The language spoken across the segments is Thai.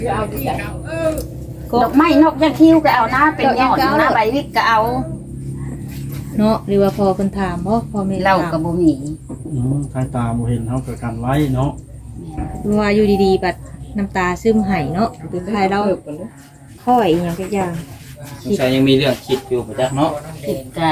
ดอกไม้นกยาคิ้วก็เอานะเป็นยอดนะใบวิกก็เอาเนาะหรือว่าพอเพิ่นถามบ่พอแม่เหล้าก็บ่มีทางตาบ่เห็นเฮาก็กันไว้เนาะว่าอยู่ดีๆบัดน้ำตาซึมไหเนาะหรือใครเราค่อยอีหยังสักอย่างสงสัยยังมีเรื่องคิดอยู่ประจักษ์เนาะคิดก็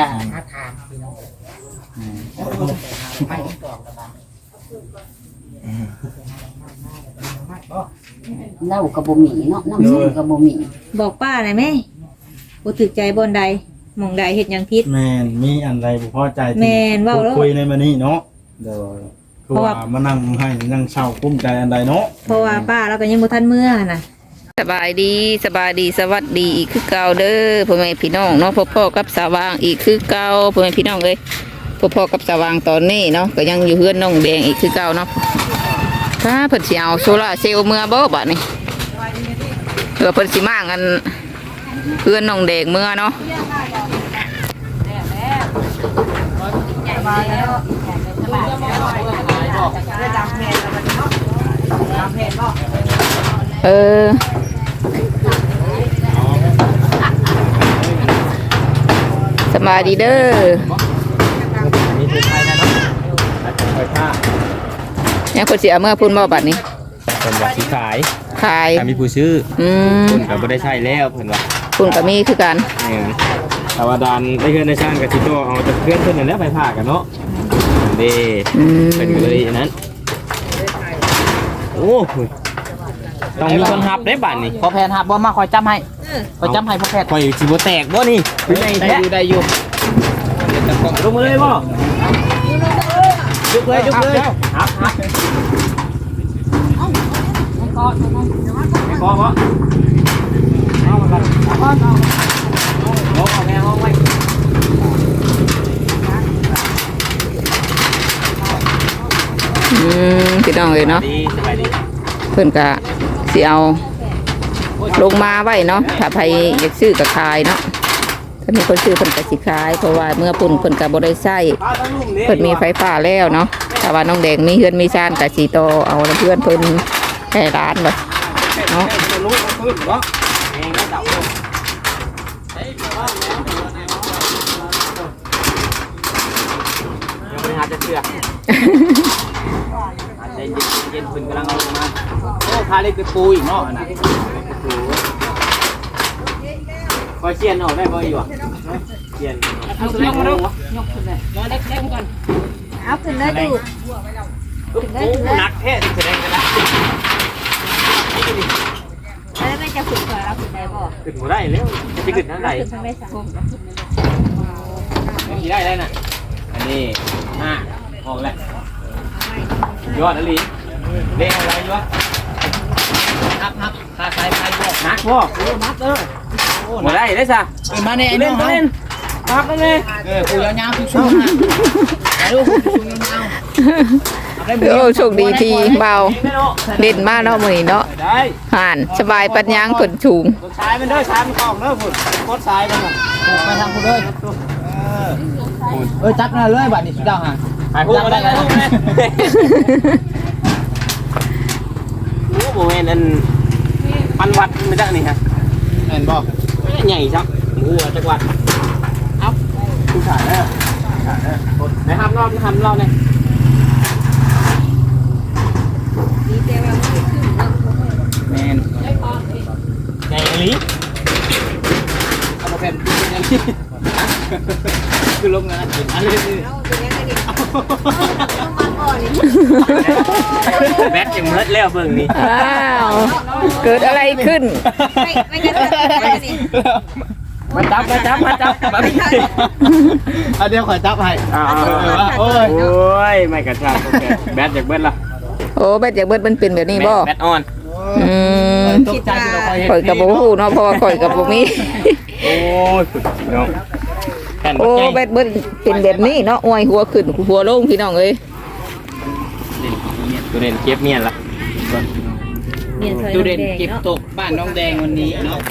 เหล้าก็บ่มีเนาะน้ำส้มก็บ่มีบอกป้าหน่อยแม่บ่ถูกใจบ่อนใดหม่องใดเฮ็ดหยังผิดแม่นมีอันใดบ่พอใจที่แม่นเว้าแล้วคุยในมื้อนี้เนาะโดยคือว่ามานั่งให้นั่งเศร้ากุ้มใจอันใดเนาะเพราะว่าป้าเราก็ยังบ่ทันเมื่อน่ะสบายดีสวัสดีอีกคือเก่าเด้อพ่อแม่พี่น้องเนาะพ่อกับสว่างอีกคือเก่าพ่อแม่พี่น้องเอ้ยพ่อกับสว่างตอนนี้เนาะก็ยังอยู่เฮือนน้องแดงอีกคือเก่าเนาะถ้าเพิ่นสิเอาโซล่าร์เซลล์เมื่อบ่บัดนี้เพิ่นสิมากันเฮือนน้องแดงเมื่อเนาะสบายดีเด้อมีเป็นไทยนะเนาะไฟผ้ายังเพิ่นสิเอาเมื่อพุ่นบ่บัดนี้เพิ่นว่าสิขายขายถ้ามีผู้ซื้ออืมเพิ่นก็บ่ได้ใช้แล้วเพิ่นว่าพุ่นก็มีคือกันแต่ว่าดานได้เฮือนได้ช่างก็สิโตเอาแต่เพื่อนเพิ่นนั่นแหละไฟผ้ากันเนาะเด้อืมเป็นก็เลยอันนั้นโอ้ต้องมีคนหับได้บัดนี้พอแพนหับบ่มาคอยจำให้คอยจำให้พอแพนข่อยสิบ่แตกบ่นี่เป็นไงแท้ได้อยู่ลงมาเลยบ่ยุกเลยหับไม่พอบ่เอามากันเอาแม่ห้องไว้พี่น้องเลยเนาะดีสบายดีเพิ่นก็สิเอาลงมาไว้เนาะถ้าใครอยากซื้อก็ขายเนาะถ้ามีคนซื้อเพิ่นก็สิขายเพราะว่าเมื่อปุ่นเพิ่นก็บ่ได้ใช้เพิ่นมีไฟฟ้าแล้วเนาะแต่ว่าน้องแดงมีเฮือนมีซ่านก็สิโตเอาเพื่อนเพิ่นให้ร้านเลยเนาะรู้พื้นบ่เองก็เดายังไม่หาจะเชื่อเย็นพื้นกำลังเอาลงมาโอ้พาเล็กไปปูอีกเนาะน่ะคอยเชียนออกได้บ่อีกวะเชียนเอาขึ้นมาดูยกขึ้นเลยมาเล็กก่อนเอาขึ้นเลยดูนักแท้แสดงกันนะแล้วแม่จะฝึกก่อนเอาขึ้นได้บ่ขึ้นบ่ได้แล้วจะขึ้นทางไหนขึ้นทางได้สังขี่ได้น่ะอันนี้ออกแล้วยอดอะไรเล่นอะไรยอดนักขาใส่ไฟบอกนักพ่อนักเด้อบ่ได้ได้ซะมาเนี่ยไอ้น้เล่อน งเล่นนักเล่นกูยาวๆทุกช่วงนะไอ้ลูกกูยาวโอ้โชคดีที่เบาเด่นมากเนาะมื้อนี้เนาะได้ห่านสบายปัญญังเพิ่นสูงสายมันเด้อสายมันของเด้อพุ่นกดสายมันน่ะๆไปทางกูเลยจับหน้าเลยบัดนี้สุดยอดฮะไปพูดบ่ได้ลูกแม่โอ้บ่แม่นอันปันวัดไม่ได้นี่ฮะเห็นบ่ใหญ่ครับหมูจักวัดเอ้าผู้ชายเด้อไหนทำรอบเนี่ยแมนใหญ่ลิเอาพอแพนคือลงนะอันนี้แบทยังเลิศแล้วเบิ่งนี่อ้าวเกิดอะไรขึ้นมาจับเอาเดี๋ยวขอจับให้โอ้ยไม่กระชากแบทจากเบิ้ลละโอ้แบตจากเบิดมันเป็นแบบนี้บ่แบทออนอืมตกใจที่เราคอยเห็นข่อยกับบ่ฮู้เนาะเพราะว่าข่อยกับบ่มีโอ้ยพี่น้องแผ่นโอ้บักแบตเบิดเป็นแบบนี้เนาะอวยหัวขึ้นหัวลงพี่น้องเอ้ยตัวเด่นเก็บเมียนละดูเด่นเก็บตกบ้านน้องแดงวันนี้เนาะ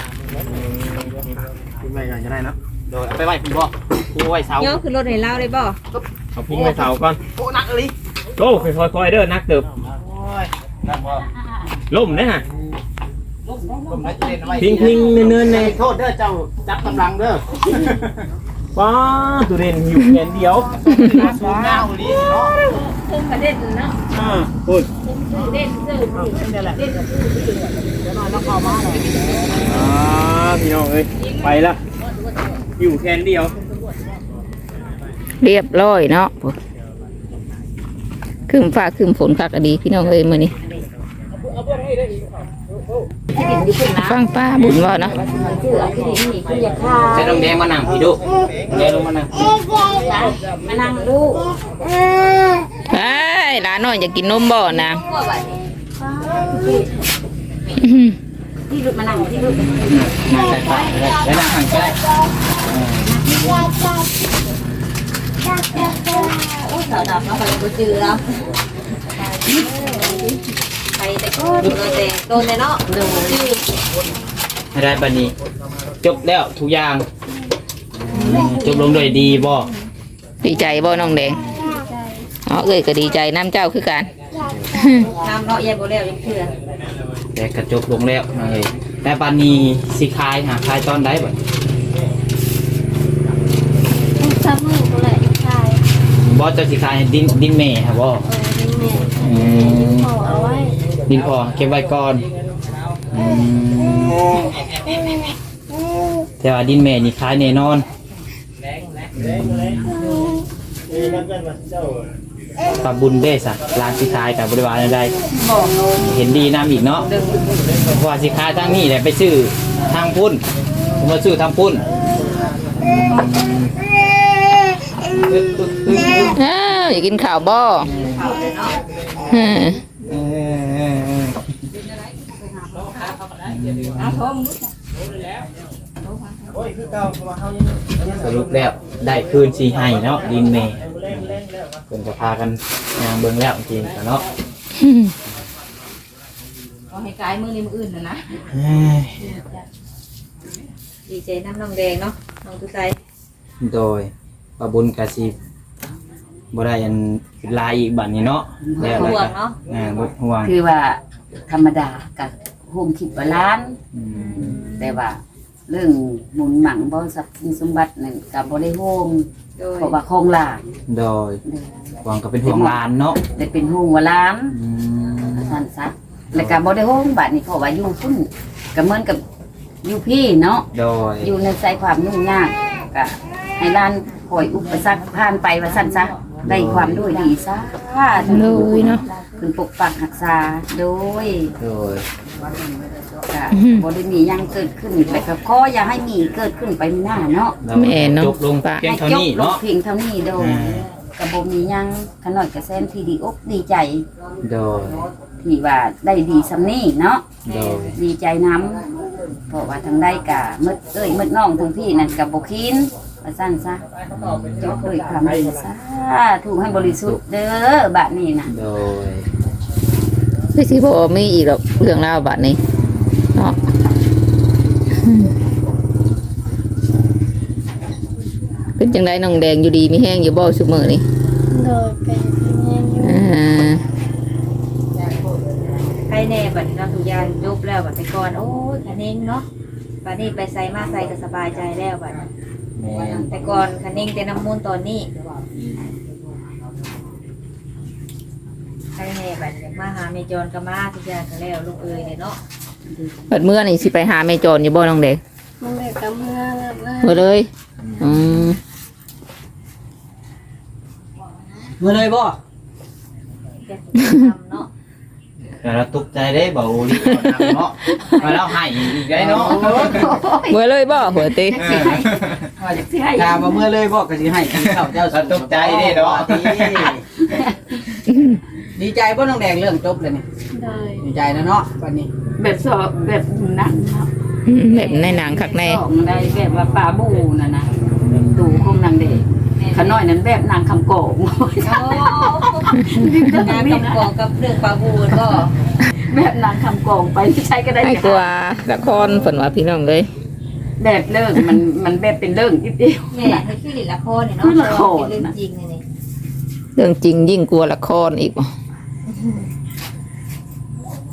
ไปกันจะได้เนาะโดยไปไหว้พี่บ่ผู้ไหว้เสาย่อขึ้นรถให้เราเลยบ่เอาพุ่งไปเสาก่อนโอ้นักเลยโอ้ค่อยๆเด้อนักเติบโอ้ยนั่นบ่ล่มเด้อฮะพิงเนินๆในโทษเด้อเจ้าจับกำลังเด้อป้าตัวเด่นอยู่แขนเดียวสูงเงาลีเนาะพูดพี่น้องเอ้ยไปละอยู่แขนเดียวเรียบร้อยเนาะคืมฟ้าคืมฝนคักอดีพี่น้องเอ้ยมื้อนี้ฟังป้าบุญว่าเนาะใช้น้องแดงมานั่งพี่ดูแดงลงมานั่งมานั่งดูเฮ้ยหลานน้อยอยากกินนมบ่นางที่ลูกมานั่งที่ลูกนั่งใส่ปากได้แล้วนั่งห่างใกล้สาวดำเนาะไปบ่จือแล้วไปแต่ก็โดนแต่โดนเนาะโดนจือให้ได้บัดนี้จบแล้วทุกอย่างจบลงด้วยดีบ่ดีใจบ่น้องแดงอ๋อเอ้ยก็ดีใจน้ำเจ้าคือกันน้ำเนาะยายบ่แล้วยังเชื่อแต่กระจบลงแล้วนั่นเลยแต่บัดนี้สิคายหาคายตอนใดบัดซับมือก็เลยใช่บ่เจ้าสิคายดินแม่ครับบ่ดินแม่พอเอาไว้ดินพอเก็บไว้ก่อนแต่ว่าดินแม่นี่คายแน่นอนกับบุญเด้สะร้านสิคายกับบริวารใดเห็นดีน้ำอีกเนาะเพราะว่าสิคายทางนี้แหละไปซื้อทางพุ่นผมมาซื้อทางพุ่นอ้าวอยากกินข้าวบ่อืมสรุปแล้วได้คืนสีให้เนาะดินเมย์เพิ่นจะพากันยางเบิ่งแล้วจริงๆเนาะเอาให้กายมือนี้มืออื่นนะดีใจน้ำน้องแดงเนาะน้องตุ้ยใจโดยปะบุญกะสิบ่ได้อันลายอีกบัดนี้เนาะแล้วห่วก็งเนาะบ่ห่วงคือว่าธรรมดากับโฮมคิดว่าล้านอืมแต่ว่าเรื่องหมุนหมังบ่ทรัพย์สินสมบัตินั่นก็บ่ได้โฮมโดยเพราะว่าโครงหลานโดยห่วงก็เป็นห่วงหลานเนาะได้เป็นโฮมว่าล้านอืมท่านซะแล้วก็บ่ได้โฮมบัดนี้เพราะว่าอยู่พุ่นก็เหมือนกับอยู่พี่เนาะโดยอยู่ในใจความยุ่งยากก็ให้ล้านคอยอุปสรรคผ่านไปว่าซั่นซะได้ความด้วยดีซะโดยเนาะเพิ่นปกปักรักษาโดยโดยก็บ่ได้มีหยังเกิดขึ้นแต่ก็ขออย่าให้มีเกิดขึ้นไปหน้าเนาะแล้วแม่เนาะจบลงเพียงเท่านี้ให้จบลงเนาะเพียงเท่านี้โดยอ่าก็บ่มีหยังขน้อยก็แซนที่ดีอกดีใจโดยที่ว่าได้ดีสำนี้เนาะโดยดีใจน้ำเพราะว่าทางได้กะมืดมืดน้องทางพี่นั่นกับบ่คินว่าซั่นซะจบด้วยความดีซะถูกให้บริสุทธิ์เด้อบัดนี้น่ะโดยคือสิบ่มีอีกหรอกเรื่องราวบัดนี้เนาะเป็นจังไดน้องแดงอยู่ดีมีแห้งอยู่บ่ซุมื้อนี้โดยเป็นแม่อยู่อ่าใครแน่บัดนี้เราทุกอย่างจบแล้วบัดแต่ก่อนโอ้ยคันเองเนาะบัดนี้ไปใส่มาใส่ก็สบายใจแล้วบัดนี้แม่นแต่ก่อนคันเองแต่น้ำมูลตอนนี้ใครแน่บัดนี้มาหาเมจรก็มาทุกอย่างก็แล้วลูกเอ้ยเนี่ยเนาะเปิดมื้อนี่สิไปหาแม่โจรอยู่บ่น้องแดงมันเด็กกับเมื่อแบบว่าบ่เลยอืมเมื่อเลยบ่แกทำเนาะแต่เราตกใจได้บ่ลีเนาะมาแล้วให้อีกได้เนาะบ่เลยบ่หัวติว่าจักสิให้ถามว่าเมื่อเลยบ่ก็สิให้กินข้าวเจ้าตกใจเด้เนาะดีใจป่ะน้องแดงเรื่องจบเลยนี่โดยดีใจนะเนาะวันนี้แบบสอบแบบนั้นเนาะแบบในหนังคักแน่ของได้แบบว่าปลาบูน่ะนะดูของนางเด็กขน้อยนั้นแบบนางคำโกงงานกับกองกับเรื่องปลาบูนก็แบบนางคำโกงไปใช้ก็ได้ให้กว่าละครเพิ่นว่าพี่น้องเลยแบบเลิกมันแบบเป็นเรื่องนิดเดียวนี่แหละคือลิละครเนี่ยเนาะคือละครเป็นเรื่องจริงเนี่ยนี่เรื่องจริงยิ่งกลัวละครอีกบ่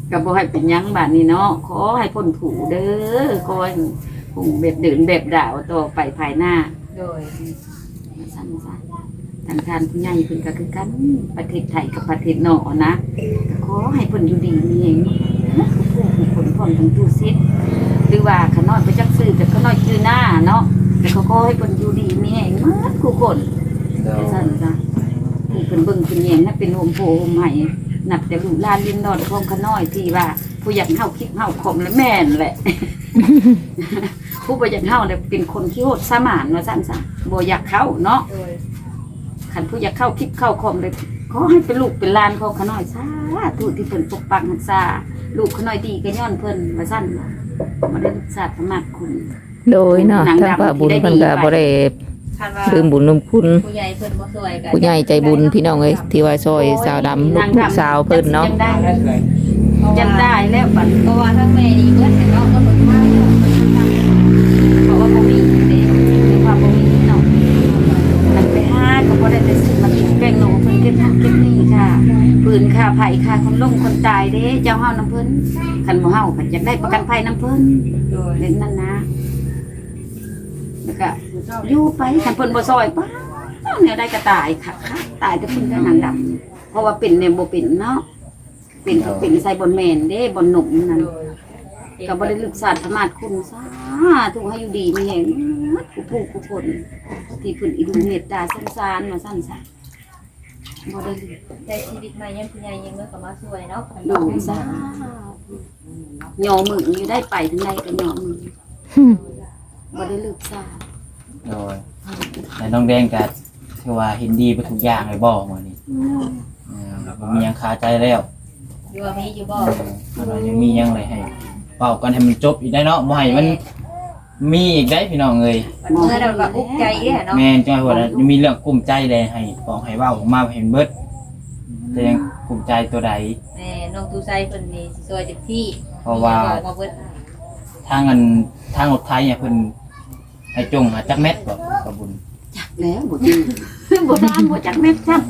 ก็บ่ให้เป็นหยังบาดนี้เนาะขอให้พ้นผูเด้อขอให้ผูแบบเดินแบบดาวต่อไปภายหน้าโดยสั้นๆทางการผู้ใหญ่เพิ่นก็คือกันประเทศไทยกับประเทศนอกนะขอให้เพิ่นอยู่ดีมีเองผู้ผลพร้อมทั้งตู้ซิดหรือว่าขน้อยไปจักซื้อกับขน้อยชื่อหน้าเนาะแต่เขาก็ให้เพิ่นอยู่ดีมีเองหมดทุกคนสั้นจ้ะผู้เพิ่นเบิ่งเพิ่นแยงให้เป็นโฮมโพโฮมไห้นับแต่ลูกหลานลินดอนของขน้อยที่ว่าผู้อยากเฮาคิดเฮาคมและแม่นแหละ ผู้บ่อยากเฮาเนี่ยเป็นคนที่โหดสมานว่าซั่นซะบ่อยากเข้าเนาะโดยขันผู้อยากเข้าคิดเข้าคอมเลยขอให้เป็นลูกเป็นหลานของขน้อยซาถูกที่เพิ่นปกปักรักษาลูกขน้อยดีก็ย้อนเพิ่นว่าซั่นมาได้ศึกษาธรรมะคุณโดยเนาะทางพระบุญเพิ่นก็บ่ได้คันว่าลืมบุญลืมคุณผู้ใหญ่เพิ่นบ่ช่วยกันผู้ใหญ่ใจบุญพี่น้องเอ้ยที่ว่าซอยสาวดำลูกสาวเพิ่นเนาะจำได้แล้วบัดเพราะว่าทั้งแม่นี่เพิ่นเนาะก็บ่มาเพราะว่าบ่มีเด้มีความบ่มีเนาะมันไปหาก็บ่ได้ไปซื้อมากินแป้งโหนเพิ่นเก็บหักเก็บนี่ค่ะปืนค่าไผค่าคนลงคนตายเด้เจ้าเฮานํเพิ่นคันบ่เฮาก็อยากได้ประกันภัยนํเพิ่นโดยเล่นนั่นนะแล้วก็อยู่ไปคันเพิ่นบ่ซอยป้าเนี่ยได้ก็ตายค่ะตายแต่เพิ่นก็หนังดำเพราะว่าเป็นเนี่ยบ่เป็นเนาะเป็นใส่บนแม่นเด้บนหนุ่มนั่นก็บ่ได้ลึกษาธรรมะคุณซาถูกให้อยู่ดีมีแฮงผู้คนที่เพิ่นอีดูเมตตาสงสารมาซั่นซะบ่ได้ลึกแต่ชีวิตใหม่ยังผู้ใหญ่ยังเมื่อก็มาช่วยเนาะดูซะย่อมืออยู่ได้ไปถึงใดก็ย่อมือบ่ได้ลึกษาโดยแต่น้องแดงก็คือว่าเห็นดีไปทุกอย่างเลยบ่มื้อนี้บ่มีหยังคาใจแล้วอยู่ว่ามีอยู่บ่เรายังมีหยังเลยให้เป่ากันให้มันจบอีกได้เนาะบ่ให้มันมีอีกได้พี่น้องเอ้ยเมื่อเราก็อุกใจแย่เนาะแม่นจังว่ายังมีเรื่องกุ้มใจเลยให้บอกให้เว้าออกมาให้เบิดแต่ยังกุ้มใจตัวใดแม่น้องตูไซเพิ่นนี่สิช่วยเต็มที่เพราะว่าบอกมาเบิดทางรถไทยเนี่ยเพิ่นให้จงหาจักเม็ดบ่กระบุญแล้วบ่จริงบ่ตามบ่จักแม่นจ้ะ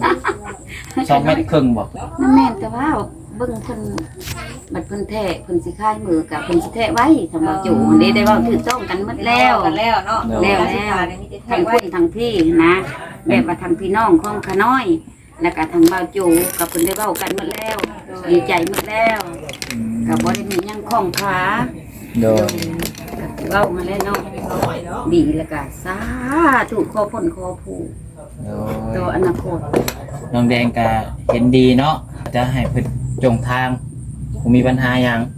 2เม็ดครึ่งบ่นั่นแม่นแต่ว่าเบิ่งเพิ่นบัดเพิ่นแท้เพิ่นสิค่ายมือกับเพิ่นสิแท้ไว้สำหรับจูได้เว้าถูกต้องกันหมดแล้วกันแล้วเนาะแล้วทางคนทางพี่นะแบบว่าทางพี่น้องของขาน้อย แล้วก็ทางบ่าวจูกับเพิ่นได้เว้ากันหมดแล้ว ดีใจหมดแล้วก็บ่ได้มีหยังข้องขาโดยเว้ามาแล้วเนาะดีแล้วก็สาธุขอพ้นขอผู้โดตัวย อนาคตน้องแดงก็เห็นดีเนาะจะให้เพิ่นจงทางบ่มีปัญหาหยัง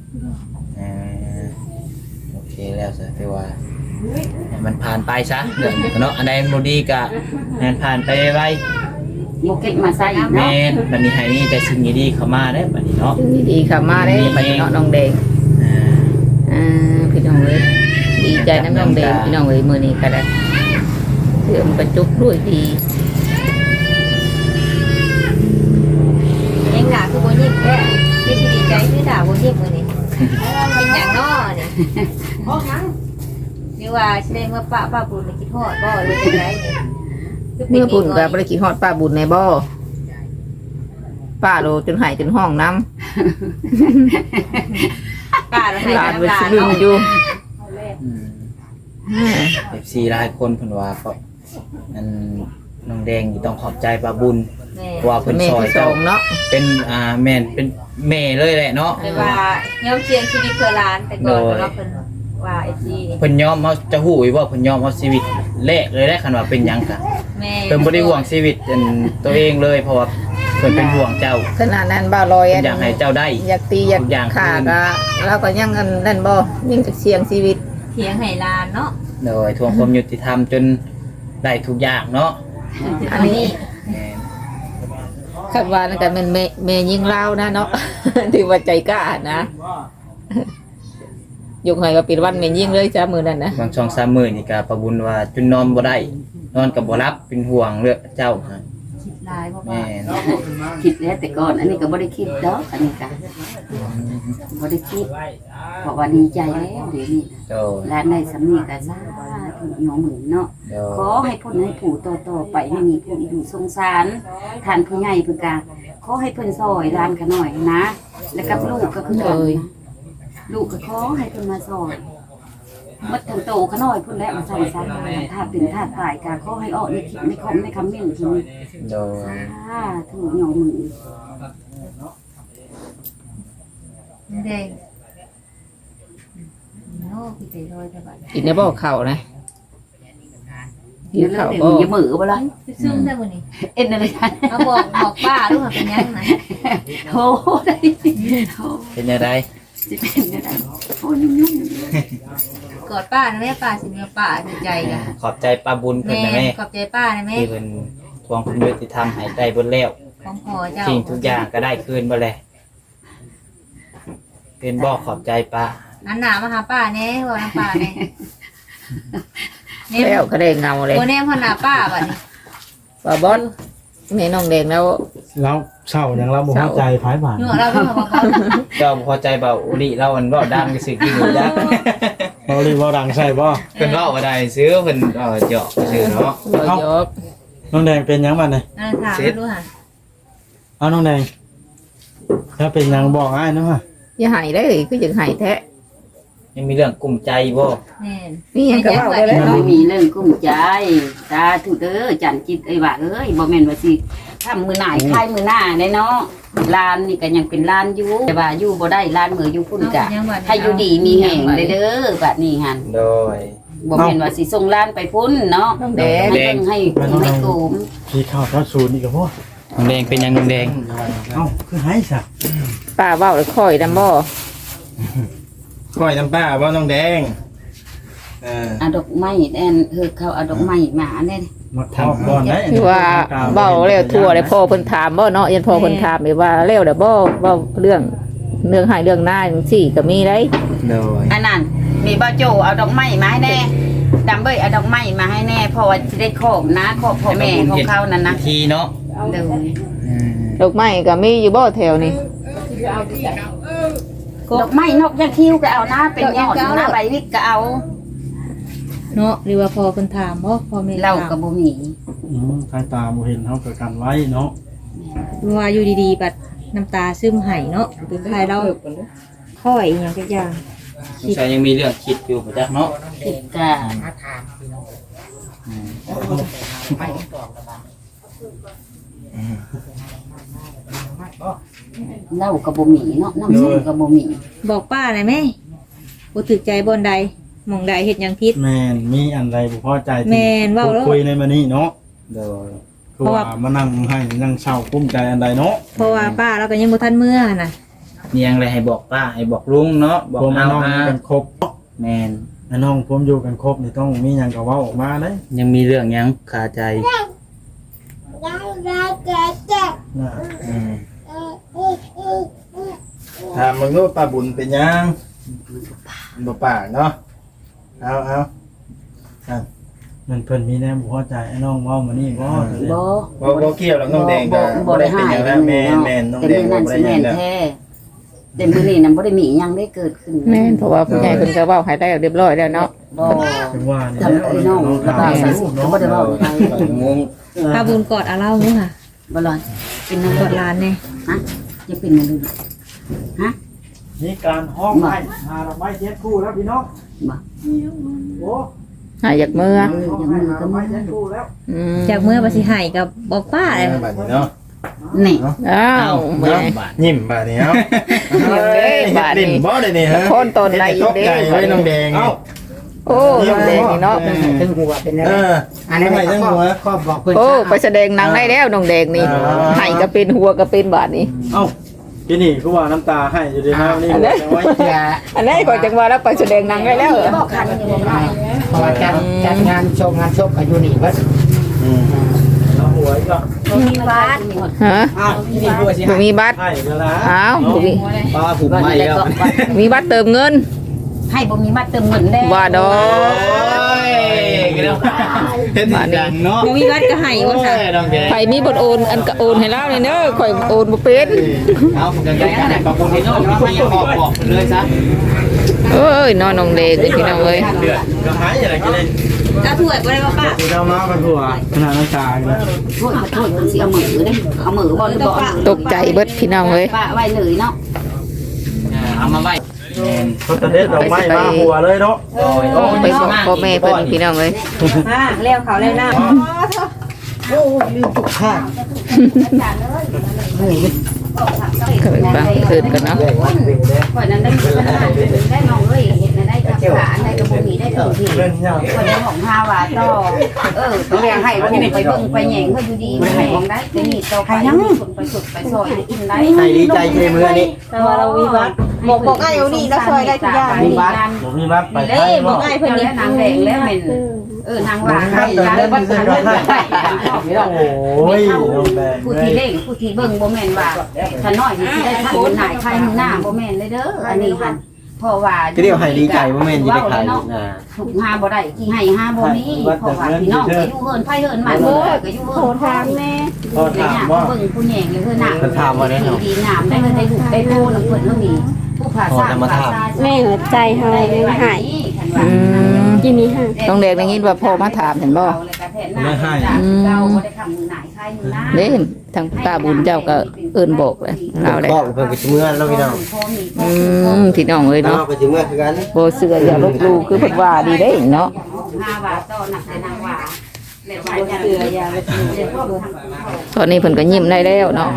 โอเคแล้วซะแต่ว่าให้มันผ่านไปซะเรื่องเนาะอันใดบ่ดีก็ให้มันผ่านไปไวบ่เก็บมาใส่อีกแม่เนาะนบัดนี้ให้มีแต่สิ่งดีๆเข้ามาเด้อบัดนี้เนาะดีๆค่ะมาได้บัดนี้เนาะน้องแดงอ่าพี่น้องเอ้ยดีใจน้ำน้องแดงพี่น้องเอ้ยมื้อนี้ก็ได้เสื่อมประจุด้วยดียังด่าคือบ่ยิ้มแท้ไม่สิดีใจคือด่าบ่ยิ้มมื้อนี้เป็นหยังเนาะนี่หรือว่าสิได้เมื่อป้าบุญไปคิดฮอดบ่หรือจังไดนี่เมื่อบุญก็บ่ได้คิดฮอดป้าบุญในบ่ป้าโลจนหายจนห้องน้ำป้าเราให้หลานน้ำมันตาสิลลืมอยู่ FC หลายคนเพิ่นว่าก็อันน้องแดงนี่ต้องขอบใจป้าบุญแม่ว่าเพิ่นแม่ซอยที่สเจ้าองเนาะเป็นแม่นเป็นแม่เลยแหละเนาะไม่ว่ายอมเสี่ยงชีวิตเพื่อหลานแต่ก่อนเนาะเพิ่นว่าไอ้จีนี่เพิ่นยอมเฮาจะฮู้อีกว่าเพิ่นยอมเอาชีวิตแลกเลยได้คันว่าเป็นหยังกะแม่เพิ่นบ่ได้ห่วงชีวิตอันตัวเองเลยเพราะว่าเพิ่นเป็นห่วงเจ้าขนาดนั้นบ่ลอยเพิ่นอยากให้เจ้าได้อยากตีอยากทุกอย่างฆ่าก็เราก็ยังกันนั่นบ่ยังจะเสี่ยงชีวิตเถียงให้หลานเนาะโดยทวงความยุติธรรมจนได้ทุกอย่างเนาะอันนี้แม่นคาดว่านั่นก็เป็นแม่ยิงเล่านะเนาะ ถือว่าใจกล้านะยกให้ก็เป็นวันแม่ยิงเลยจ้ามือนั่นนะบางช่อง3มื้อนี่ก็ประบุญว่าจนนอนบ่ได้นอนก็บ่หลับเป็นห่วงเรื่องเจ้าฮะคิดหลายบ่แม่ว่านคิดแล้วแต่ก่อนอันนี้ก็บ่ได้คิดดอกอันนี้ก็บ่ได้คิดเพราะว่าดีใจแล้วเดี๋ยวนี้โดยร้านได้สำนีก็สาธุโยมหมื่นเนาะโดขอย ให้พ้นให้ผู้ต่อๆไปให้มีผู้อยู่สงสารท่านผู้ใหญ่เพิ่นก็ขอให้เพิ่นซอยร้านกันหน่อยนะแล้วกับลูกก็คือกันนะลูกก็ขอให้เพิ่นมาสอนมัดทั้งโตขน้อยพุ่นแล้วมาใส่ซะถ้าเป็นถ้าตายก็ขอให้ออกในคลิปในคอมในคอมเมนต์ที่นี่โดยถูกหยอมือแดงโอ้พี่ใจลอยแต่บัดกินได้บ่ข้าวนะกินเดี๋ยวข้าวเดี๋ยวบ่อย่ามือบ่ล่ะซึมได้บ่นี่เอ็นอะไรกันเอาบอกป้าดูว่าเป็นยังนะโอ้ได้โอ้เป็นยังไงสิเป็นยังไงโอ้ยุ่งกอดป้านะแม่ป้าสิเนื้อป้าดีใจกันขอบใจป้าบุญเพิ่นแม่นะแม่ขอบใจป้านะแม่ที่เพิ่นทวงความยุติธรรมให้ได้เบนแล้วของพ่อเจ้าสิ่งทุกอย่างก็ได้คืนบ่แลเป็นบ่ขอบใจป้าอันหนามาหาป้าแน่ว่าน้ำป้าแน่แล้วก็ได้เงาเลยโอ้แน่พ่อหน้าป้าบัดนี้บ่บอสแม่น้องแดงแล้วเราเศร้าอย่างเราบ่เข้าใจไผบาดหนูเราก็บอกว่าเจ้าพอใจเบาอุลิเราอันเว้าดังก็สิกินอยู่จักเราเรียกว่าดังใช่บ่เพิ่นเว้าบ่ได้ซื้อเพิ่นเหยาะซื่อเนาะบ่ยกน้องแดงเป็นหยังบัดนี่อันถามมาดูค่ะเอาน้องแดงถ้าเป็นหยังบอกอ้ายเนาะอย่าให้ได้คือจังให้แท้ยังมีเรื่องกลุ้มใจบ่แม่นมีหยังก็เว้าได้แล้วไม่มีเรื่องกุ้มใจตาถูกเด้อจันจิตไอ้ว่าเอ้ยบ่แม่นว่าสิทำมือหน่ายคายมือหน้าได้เนาะลานนี่ก็ยังเป็นลานอยู่แต่ว่าอยู่บ่ได้ลานมืออยู่พุ่นกะให้อยู่ดีมีแห่งเด้อบัดนี้หั่นโดยบ่แม่นว่าสิส่งลานไปพุ่นเนาะน้องแดงให้โกมพี่เข้าทัดศูนย์อีกแล้วบ่น้องแดงเป็นหยังน้องแดงเอ้าคือให้ซะป้าเว้าแล้วค่อยนำบ่ก้อยน้ำป้าบ่น้องแดงเอาดอกไม้แอนเขาเอาดอกไม้มาแน่มาทอบก่อนได้คือว่าเว้าแล้วทั่วเลยพ่อเพิ่นถามบ่เนาะยันพ่อเพิ่นถามอีกว่าแล้วแล้วบ่เว้าเรื่องให้เรื่องหน้าจังซี่ก็มีได้โดยอันนั้นมีบ่โจเอาดอกไม้มาให้แน่ดำเบ้ยเอาดอกไม้มาให้แน่เพราะว่าสิได้ครอบนะครอบพ่อแม่ของเขานั่นนะทีเนาะเด้อดอกไม้ก็มีอยู่บ่แถวนี้ดอกไม้นกยักษ์คิ้วก็เอานะเป็นยอดนะใบวิกก็เอาเนาะหรือว่าพ่อเพิ่นถามบ่พ่อแม่เราก็บ่มีทางตาบ่เห็นเฮาก็กันไว้เนาะว่าอยู่ดีๆบัดน้ำตาซึมไหเนาะหรือใครเราค่อยอีหยังสักอย่างสงสัยยังมีเรื่องคิดอยู่บ่จักเนาะผิดก็เราก็บ่มีเนาะน้ำส้มก็บ่มีบอกป้าหน่อยแม่บ่ถึกใจบ่อนใดหม่องใดเฮ็ดหยังผิดแม่นมีอันใดบ่พอใจที่แม่นเว้าแล้วคุยในมื้อนี้เนาะโดยคือว่ามานั่งให้นั่งเศร้ากุ้มใจอันใดเนาะเพราะว่าป้าเราก็ยังบ่ทันเมื่อน่ะมีหยังอะไรให้บอกป้าให้บอกลุงเนาะบอกผมเอาน้องอากันครบแมนไอ้น้องผมอยู่กันครบนี่ต้องมีหยังก็เว้าออกมาเด้ยังมีเรื่องหยังคาใจน่ะอืมถามมึงดูป้าบุญเป็นหยังบ่ปากเนาะเอามันเพิ่นมีแนวบ่พอใจไอ้น้องเว้ามานี่บ่บ่บ่เกี่ยวหรอกน้องแดงก็บ่ได้เป็นหยังแล้วแม่นน้องแดงแต่บ่มื้อได้นั้นหสิยังแม่นแล้วแท้แต่มื้อนี้น่ะบ่ได้มีหยังได้เกิดขึ้นแม่นเพราะว่าผู้ใหญ่เพิ่นก็เว้าให้ได้เรียบร้อยแล้วเนาะบ่ถึงว่านี่ทำไอ้น้องระบายใส่สุดก็บ่ได้เว้าไทยงงป้าบุญกอดเอาเล่าเนาะค่ะบ่รอนเป็นนั่นกอดหลานแน่ฮะจะเป็นนั่นเลยฮะนี่การห้องไม้หาดอกไม้เจ็ดคู่แล้วพี่น้องบ่โอ้หาอยากเมื่อห้องไม้หาดอกไม้เจ็ดคู่แล้วอืมจากเมื่อบ่สิให้ก็บอกป้าเลยบัดนี้เนาะนี่อ้าวแม่ยิ้มบัดนี้เอ้ายิ้มเด้บาดนี้ลิ้นบ่ได้นี่ฮะคนตนใดอีกเด้ตกใจไว้น้องแดงนี่โอ้น้องแดงนี่เนาะถึงหัวเป็นอันนั้นไม่ทั้งหัวก็บอกเพิ่นโอ้ไปแสดงหนังได้แล้วน้องแดงนี่อ่าให้ก็เป็นหัวก็เป็นบาดนี้เอ้าพี่นี่คือว่าน้ำตาให้อยู่ดีนะนี่อันนั้นไว้อันนี้ก็จังว่าแล้วไปแสดงหนังได้แล้วเหรอบอกคันอยู่บ่ได้เพราะว่าจัดงานชมงานศพอายุนี่เพิ่นเอาหัวอีกก็มีวัดฮะอ้าวที่นี่ด้วยสิบ่มีบัตรให้แล้วนะอ้าวบ่มีป้าผูกไม่แล้วมีบัตรเติมเงินให้บ่มีมาเติมเงินได้ว่าดอกเห็นดังเนาะบ่มีวัดก็ให้ว่าค่ะน้องแดงไผมีบทโอนอันก็โอนให้แล้วนี่เด้อข่อยโอนบ่เป็นเอาผมจะได้กันปรับปรุงที่น้องพี่บอกเลยซะเอ้ยน้องน้องเด็กเด้อพี่น้องเอ้ยเดือดก็หายอะไรกันเลยเอาถ้วยบ่ได้ว่าป้าคือเรามากันหัวขนาดน้ำตาเลยโทษเพิ่นสิเอามือเด้เอามือบ่หรือบ่ตกใจเบิดพี่น้องเอ้ยป้าไว้เลยเนาะเอามาไว้เขาจะเด็ดดอกไม้มาหัวเลยเนาะไปบอกพ่อแม่เพิ่นพี่น้องเอ้ยมาแล้วเขาแล้วน้โอ้ยลืมทุกข้างก็ไปฟังเพิ่นกันเนาะแยกวัดเวงเด้อก่อนนั้นได้ได้น้องเอ้ยเห็นได้จับขาได้กระบุมีได้ถึงที่คนได้ของฮาวาต่อต้องเรียกให้ว่าไปเบิ่งไปแหย่งเขาอยู่ดีไม่ให้ของได้จะมีต่อไปคนไปสุดไปซอยอินได้ให้ดีใจเทมือนี่ำแต่ว่าเราวิวัฒน์บอกไอ้เอานี่แล้วซอยได้ทุกอย่างมีบัตรผมมีบัตรไปไทยบอกเนาะไอ้เพิ่นแล้วนางแดงแล้วเป็นนางวางให้ได้บัตรทันได้โอ้ยน้องแดงผู้ที่เล่งผู้ที่เบิ่งบ่แม่นว่าถ้าน้อยนี่สิได้ทันหน่ายใครหน้าบ่แม่นเลยเด้ออันนี้หันเพราะว่าก็เรียกให้ดีใจว่าแม่นจะได้ขายนะถูกหาบ่ได้กี่ให้หาบ่มีเพราะว่าพี่น้องก็อยู่เฮินไผเฮินมันเด้อก็อยู่เฮินทางแม่พอถามว่าเบิ่งผู้แหงเลยเพิ่นน่ะดีงามได้เพิ่นได้ลูกได้โตนำเพิ่นเฮามีผู้ภาษาแม่หัวใจเฮาเลยหายอืมกินนี้ค่ะต้องเด็กได้ยินว่าพ่อมาถามเห็นบ่ไม่ให้เราบ่ได้ทำมือหนายใครมือหน้าเด้ทางตาบุญเจ้าก็เอิ้นบอกเลยเราได้บอกเพิ่นก็สิเมื่อแล้วพี่น้องพี่น้องเอ้ยเนาะเนาะก็สิเมื่อคือกันบ่เชื่ออย่าลบหลู่คือเพิ่นว่าดีเด้เนาะ 5 บาทต่อหนักแต่นางว่าแล้วว่าเสือยาไปซื้อตอนนี้เพิ่นก็ยิ้มได้แล้วเนาะ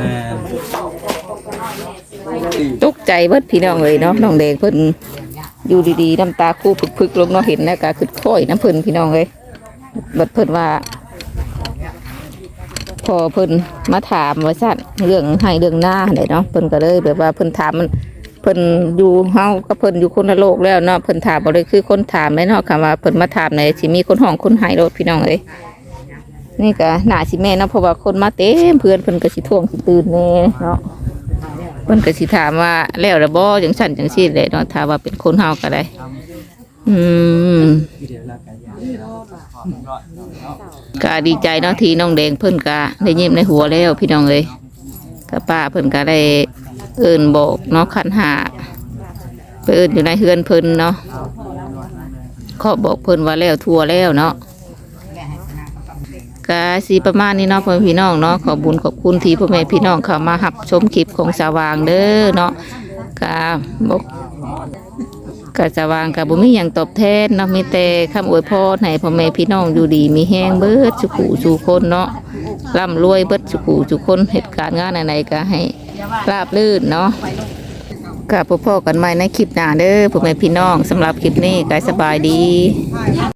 ตกใจเบิดพี่น้องเอ้ยเนาะน้องแดงเพิ่นอยู่ดีๆน้ำตาคู่พึกๆลงเนาะเห็นแล้วก็คือค่อยน้ำเพิ่นพี่น้องเอ้ยบัดเพิ่นว่าพอเพิ่นมาถามว่าซั่นเรื่องให้เรื่องหน้าได้เนาะเพิ่นก็เลยแบบว่าเพิ่นถามมันเพิ่นอยู่เฮากับเพิ่นอยู่คนละโลกแล้วเนาะเพิ่นถามบ่ได้คือคนถามเลยเนาะคำว่าเพิ่นมาถามในสิมีคนห้องคนให้รถพี่น้องเอ้ยนี่ก็น่าสิแม่เนาะเพราะว่าคนมาเต็มเพื่อนเพิ่นก็สิท่วงสิตื่นแน่เนาะเพิ่นก็สิถามว่าแล้วละบ่จังซั่นจังซี่แหละเนาะถ้าว่าเป็นคนเฮาก็ได้ก็ดีใจเนาะที่น้องแดงเพิ่นก็ได้ยิ้มในหัวแล้วพี่น้องเอ้ยก็ป้าเพิ่นก็ได้เอิ้นบอกเนาะขันหาไปเอิ้นอยู่ในเฮือนเพิ่นเนาะขอบอกเพิ่นว่าแล้วทั่วแล้วเนาะก็สิประมาณนี้เนาะพ่อแม่พี่น้องเนาะขอบุญขอบคุณที่พ่อแม่พี่น้องเข้ามารับชมคลิปของสว่างเด้อเนาะก็บอกก็สว่างก็บ่มีหยังตอบแทนเนาะมีแต่คำอวยพรให้พ่อแม่พี่น้องอยู่ดีมีแห้งเบิดสุขุสู่คนเนาะร่ำรวยเบิดสุขุสู่คนเหตุการณ์งานไหนๆก็ให้ราบรื่นเนาะก็พบกันใหม่ในคลิปหน้าเด้อพ่อแม่พี่น้องสำหรับคลิปนี้ก็สบายดี